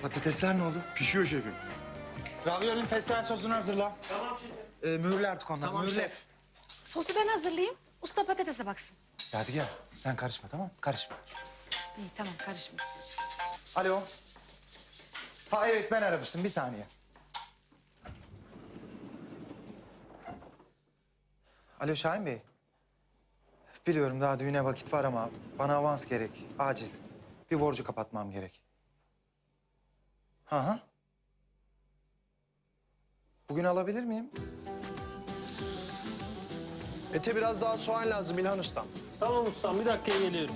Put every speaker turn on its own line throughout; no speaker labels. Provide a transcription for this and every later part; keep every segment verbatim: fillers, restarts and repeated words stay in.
Patatesler ne oldu?
Pişiyor şefim.
Raviolin fesleğen sosunu hazırla.
Tamam şefim.
Ee, mühürle artık onları.
Tamam
mühürle.
şef.
Sosu ben hazırlayayım. Usta patatese baksın.
Yadigar sen karışma tamam mı? Karışma.
İyi tamam karışma.
Alo. Ha evet ben aramıştım bir saniye. Alo Şahin Bey. Biliyorum daha düğüne vakit var ama bana avans gerek. Acil. Bir borcu kapatmam gerek. Hı hı. Bugün alabilir miyim?
Ete biraz daha soğan lazım İlhan Ustam.
Tamam ustam, bir dakikaya geliyorum.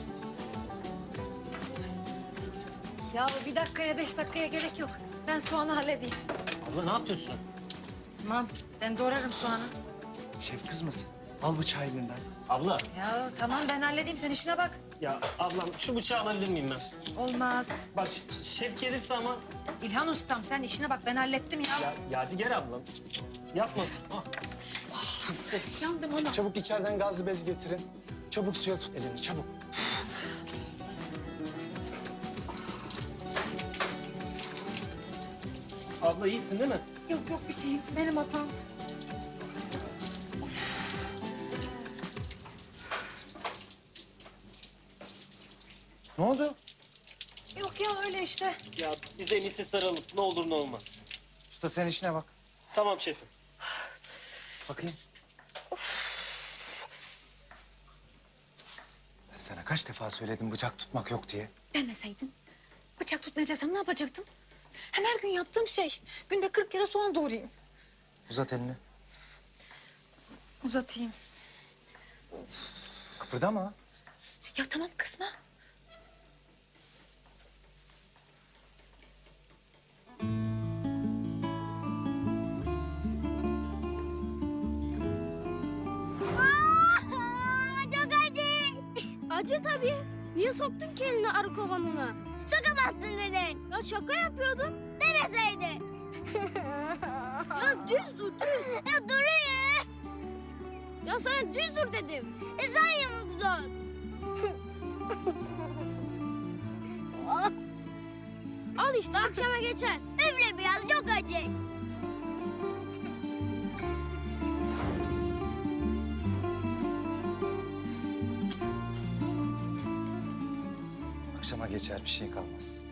Ya bir dakikaya beş dakikaya gerek yok. Ben soğanı halledeyim.
Abla ne yapıyorsun?
Tamam ben doğrarım soğanı.
Şef kızmasın. Al bıçağı elinden.
Abla,
Ya tamam ben halledeyim sen işine bak.
ya ablam şu bıçağı alabilir miyim ben?
Olmaz.
Bak ş- şef gelirse ama...
İlhan ustam sen işine bak ben hallettim ya.
Ya Yadigar ablam. Yapma. Ah. İste.
Yandım ona.
Çabuk içeriden gazlı bez getirin. Çabuk suya tut elini çabuk.
Abla iyisin değil mi?
Yok yok bir şeyim benim hatam.
Ne oldu?
Yok ya öyle işte.
Ya biz en iyisi saralım. Ne olur ne olmaz.
Usta sen işine bak.
Tamam şefim.
Bakayım. Ben sana kaç defa söyledim bıçak tutmak yok diye.
Demeseydin. Bıçak tutmayacaksam ne yapacaktım? Hem her gün yaptığım şey. Günde kırk kere soğan doğrayayım.
Uzat elini.
Uzatayım.
Kıpırdama.
Ya tamam kızma.
Çok acı.
Acı tabii. Niye soktun kendini arı kovanına?
Sokamazsın dedin.
Ya şaka yapıyordum.
Demeseydin.
Ya düz dur düz.
Ya duruyor.
Ya sana düz dur dedim.
E sen yamuk zor.
Al işte akşama geçer.
Üfle biraz çok acı.
Akşama geçer bir şey kalmaz.